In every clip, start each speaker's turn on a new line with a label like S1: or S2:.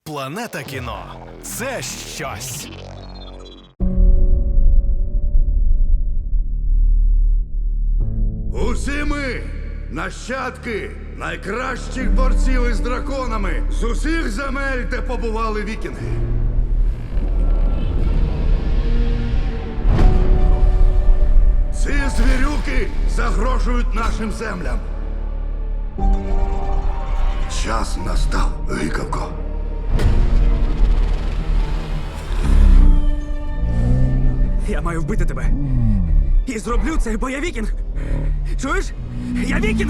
S1: Планета кіно – це щось.
S2: Усі ми нащадки найкращих борців із драконами з усіх земель, де побували вікінги. Ці звірюки загрожують нашим землям. Час настав, гикавко.
S3: Я маю вбити тебе. І зроблю це, бо я вікінг. Чуєш? Я вікінг!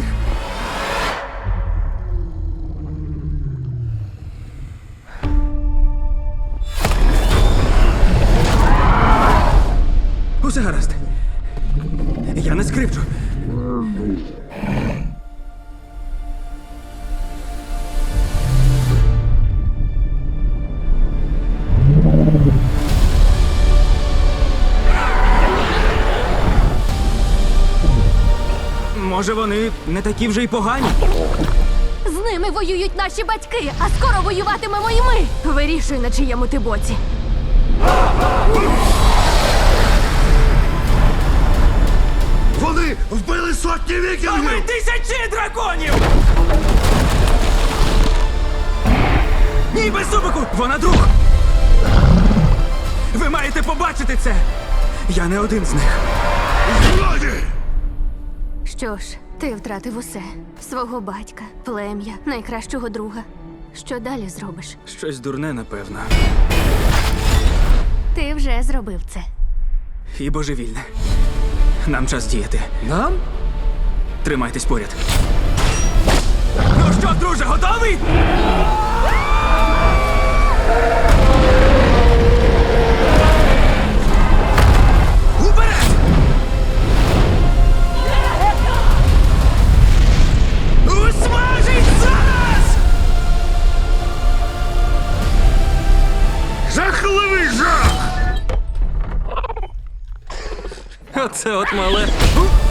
S3: Усе гаразд. Я не скрипчу. Може, вони не такі вже й погані?
S4: З ними воюють наші батьки, а скоро воюватимемо і ми. Вирішуй, на чиєму ти боці.
S2: Вони вбили сотні
S3: А ми
S2: вікінгів!
S3: тисячі драконів! Ні, без зубику! Вона друг! Ви маєте побачити це! Я не один з них.
S2: Злоді!
S4: Що ж, ти втратив усе. Свого батька, плем'я, найкращого друга. Що далі зробиш?
S3: Щось дурне, напевно.
S4: Ти вже зробив це.
S3: І божевільне. Нам час діяти.
S5: Нам?
S3: Тримайтесь поряд. Ну що, друже, готовий? Уперед! Усмажить зараз!
S2: Жахливий жах!
S3: Оце от мале.